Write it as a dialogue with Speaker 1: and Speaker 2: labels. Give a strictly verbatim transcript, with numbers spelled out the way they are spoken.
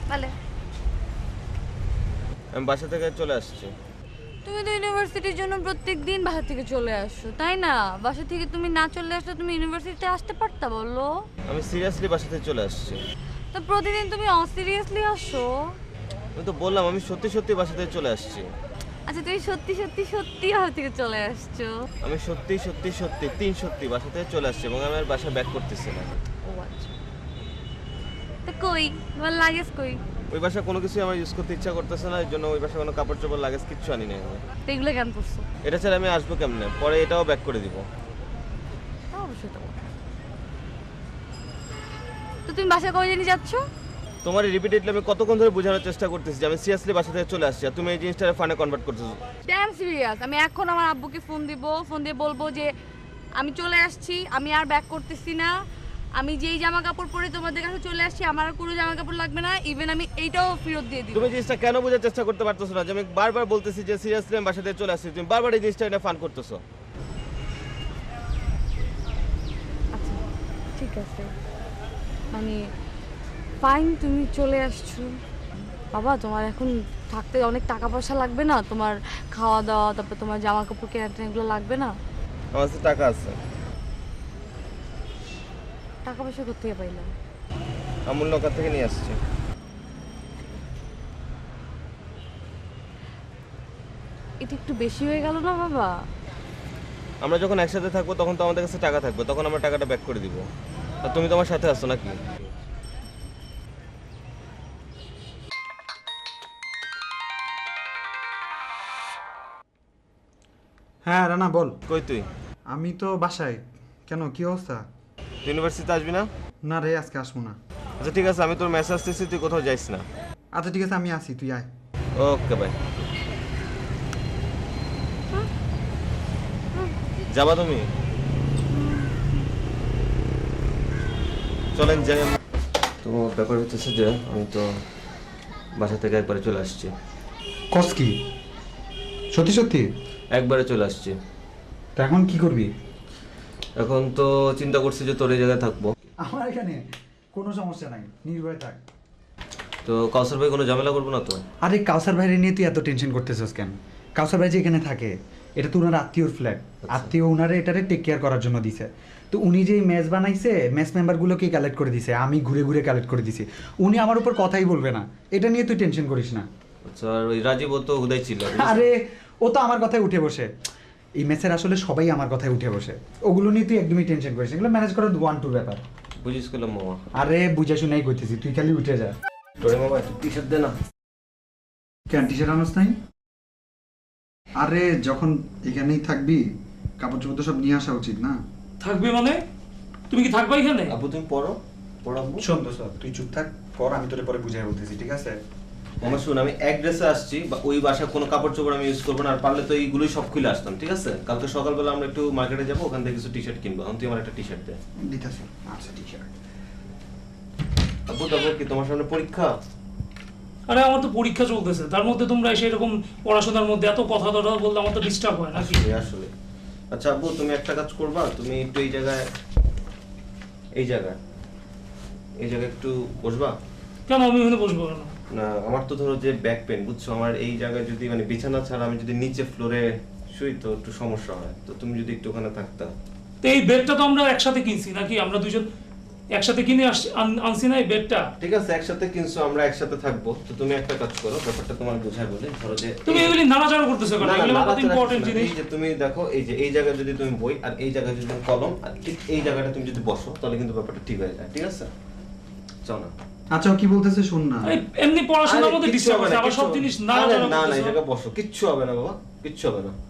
Speaker 1: বলে
Speaker 2: আমি বাসা থেকে চলে আসছি।
Speaker 1: তুমি তো ইউনিভার্সিটির জন্য প্রত্যেকদিন বাসা থেকে চলে আসো তাই না? বাসা থেকে তুমি না চলে আসলে তুমি ইউনিভার্সিটিতে আসতে পারতা বলো?
Speaker 2: আমি সিরিয়াসলি বাসা থেকে চলে আসছি।
Speaker 1: তো প্রতিদিন তুমি অসিরিয়াসলি আসো।
Speaker 2: আমি তো বললাম আমি সত্যি সত্যি বাসা থেকে চলে আসছি।
Speaker 1: আচ্ছা তুমি সত্যি সত্যি সত্যি বাসা থেকে চলে আসছো?
Speaker 2: আমি সত্যি সত্যি সত্যি তিন সত্যি বাসা থেকে চলে আসছি এবং আমি আর বাসা ব্যাক করতেছি না।
Speaker 1: ও আচ্ছা, তো কই তোমার লাগেজ কই?
Speaker 2: ওই বাসা কোনো কিছু আমার ইউজ করতে ইচ্ছা করতেছে না, এর জন্য ওই বাসা কোনো কাপড় চোপড় লাগেজ কিচ্ছু আনি নাই আমি।
Speaker 1: তো এগুলো কেন করছো?
Speaker 2: এটা ছাড়া আমি আসবো কেমনে? পরে এটাও ব্যাক করে দিব।
Speaker 1: তা অবশ্যই তো। তো তুমি বাসা কবে জানি যাচ্ছ?
Speaker 2: তোমার রিপিটেডলি আমি কতক্ষণ ধরে বোঝানোর চেষ্টা করতেছি যে আমি সিরিয়াসলি বাসা থেকে চলে আসছি আর তুমি এই জিনিসটা ফানে কনভার্ট করতেছো।
Speaker 1: Damn serious. আমি এখন আমার আব্বুকে ফোন দিব, ফোন দিয়ে বলবো যে আমি চলে আসছি, আমি আর ব্যাক করতেছি না, আমি যেই জামা কাপড় পরে তোমাদের কাছে চলে আসছি আমার আর কোনো জামা কাপড় লাগবে না, ইভেন আমি এইটাও ফেরত দিয়ে দিব।
Speaker 2: তুমি জিনিসটা কেন বোঝার চেষ্টা করতে পারতেছো না যে আমি বারবার বলতেছি যে সিরিয়াসলি আমি বাসা থেকে চলে আসছি, তুমি বারবার এই জিনিসটা এটা ফান করতেছো।
Speaker 1: আচ্ছা ঠিক আছে, মানে ফাইন তুমি চলে আসছো। বাবা তোমার এখন থাকতে অনেক টাকা পয়সা লাগবে না? তোমার খাওয়া দাওয়া, তারপর তোমার জামা কাপড় কেনা টেনা এগুলো লাগবে না?
Speaker 2: আমার কাছে টাকা আছে।
Speaker 1: টাকা পয়সা কোথেকে পাইলাম?
Speaker 2: আমূল্য ওখান থেকে নিয়ে আসছি।
Speaker 1: এটা একটু বেশি হয়ে গেল না বাবা?
Speaker 2: আমরা যখন একসাথে থাকবো তখন তো আমাদের কাছে টাকা থাকবে, তখন আমরা টাকাটা ব্যাক করে দিব। আর তুমি তোমার সাথে আসছো নাকি?
Speaker 3: হ্যাঁ রানা বল।
Speaker 2: কই তুই?
Speaker 3: আমি তো বাসায়। কেন, কি অবস্থা?
Speaker 2: তুই ইউনিভার্সিটিতে আসবি না?
Speaker 3: না রে, আজকে আসবো না।
Speaker 2: আচ্ছা ঠিক আছে, আমি তোর মেসেজ আসতেছি, তুই কোথাও যাইস না।
Speaker 3: আচ্ছা ঠিক আছে, আমি আসি, তুই আয়।
Speaker 2: Okay bye. যাবা তুমি? চলেন যাই। তো ব্যাপার হচ্ছে যে আমি তো বাসা থেকে একবারে চলে আসছি।
Speaker 3: কস কি? সত্যি সত্যি?
Speaker 2: একবারে চলে আসছি।
Speaker 3: তো এখন কি করবি?
Speaker 2: এখন তো চিন্তা করছি যে তোর এই জায়গায় থাকবো।
Speaker 3: আমার এখানে কোনো সমস্যা নাই, নির্ভয় থাক।
Speaker 2: তো কাউসার ভাই কোনো ঝামেলা করবো না তো?
Speaker 3: আরে কাউসার ভাইরে নিয়ে তুই এত টেনশন করতেছিস কেন? কাউসার ভাই যে এখানে থাকে, এটা তো ওনার আত্মীয়র ফ্ল্যাট। আত্মীয় ওনারে এটারে টেক কেয়ার করার জন্য দিছে। তো উনি যেই মেস বানাইছে, মেস মেম্বারগুলোকে কালেক্ট করে দিছে, আমি ঘুরে ঘুরে কালেক্ট করে দিছি। উনি আমার উপর কথাই বলবে না, এটা নিয়ে তুই টেনশন করিস না।
Speaker 2: আচ্ছা, আর ওই রাজীব ও তো হুদাই ছিল।
Speaker 3: আরে ও তো আমার কথায় উঠে বসে। এই মেসের আসলে সবাই আমার কথায় উঠে বসে। ওগুলো নিয়ে তুই একদমই টেনশন করিস না, এগুলো ম্যানেজ করার ওয়ান টু ব্যাপার।
Speaker 2: বুঝিস করলাম মামা।
Speaker 3: আরে বুঝে শুনেই কইতেছি, তুই খালি উঠে যা।
Speaker 2: তোরে মামা একটু টি শার্ট দে না।
Speaker 3: কেন টি শার্ট আনস নাই? আরে যখন এখানেই থাকবি, কাপড় চোপড় তো সব নিয়ে আসা উচিত না?
Speaker 4: থাকবে মানে? তুমি কি থাকবা এখানে?
Speaker 2: আপু তুমি পড়ো, পড়াবো।
Speaker 3: শোন তো স্যার, তুই চুপ থাক, পর আমি তোরে পরে বুঝাই বলতেছি, ঠিক আছে?
Speaker 2: মামা শুন, আমি এক ড্রেসে আসছি, বা ওই বাসায় কোনো কাপড় চোপড় আমি ইউজ করবো না, আর পারলে তো এইগুলোই সব খুলে আসতাম, ঠিক আছে? কালকে সকালবেলা আমরা একটু মার্কেটে যাবো, ওখান থেকে কিছু টি শার্ট কিনবো। এখন তুই আমার একটা টি শার্ট দে।
Speaker 3: দিতেছি। আচ্ছা টি শার্ট।
Speaker 2: আপু তারপর কি তোমার সামনে পরীক্ষা?
Speaker 4: আরে আমার তো পরীক্ষা চলতেছে, তার মধ্যে তোমরা এসে এরকম পড়াশোনার মধ্যে এত কথা টথা বললে আমার তো ডিস্টার্ব হয় নাকি?
Speaker 2: আসলে আসলে আচ্ছা আব্বু, তুমি একটা কাজ করবা, তুমি একটু এই জায়গায় এই জায়গায় এই জায়গায় একটু বসবা।
Speaker 4: কেন আমি এখানে বসবো কেন?
Speaker 2: না, আমার তো ধরো যে ব্যাক পেন, বুঝছো? আমার এই জায়গায় যদি মানে বিছানা ছাড়া আমি যদি নিচে ফ্লোরে শুই তো একটু সমস্যা হয়, তো তুমি যদি একটু ওখানে থাকতা।
Speaker 4: তো এই বেডটা তো আমরা একসাথে কিনছি নাকি? আমরা দুজন একসাথে কিনে আসছি- আন- আনছি না এই বেডটা?
Speaker 2: ঠিক আছে, একসাথে কিনছো, আমরা একসাথে থাকবো। তো তুমি একটা কাজ করো, ব্যাপারটা তোমার বোঝায় বলে ধরো যে
Speaker 4: তুমি এগুলি নাড়াচাড়া করতেছো কেন?
Speaker 2: না, না,
Speaker 4: এগুলো কত
Speaker 2: নাড়াচাড়া
Speaker 4: ইম্পর্টেন্ট
Speaker 2: কিছু না।
Speaker 4: জিনিস।
Speaker 2: এই যে তুমি দেখো, এই যে এই জায়গায় যদি তুমি বই আর এই জায়গায় যদি তুমি কলম আর ঠিক এই জায়গাটা তুমি যদি বসো, তাহলে কিন্তু ব্যাপারটা ঠিক হয়ে যায়, ঠিক আছে? চল না।
Speaker 3: আচ্ছা ও কি বলতেছে শোন না।
Speaker 4: এই এমনি পড়াশোনার
Speaker 2: আরে
Speaker 4: মধ্যে
Speaker 2: কিচ্ছু
Speaker 4: ডিস্টার্ব
Speaker 2: হবে
Speaker 4: হচ্ছে,
Speaker 2: না,
Speaker 4: আবার
Speaker 2: কিচ্ছু
Speaker 4: সব
Speaker 2: হবে
Speaker 4: জিনিস
Speaker 2: না।
Speaker 4: নাড়াচাড়া
Speaker 2: আরে না না, এই
Speaker 4: করতেছো।
Speaker 2: জায়গায় বসো, কিচ্ছু হবে না বাবা, কিচ্ছু হবে না।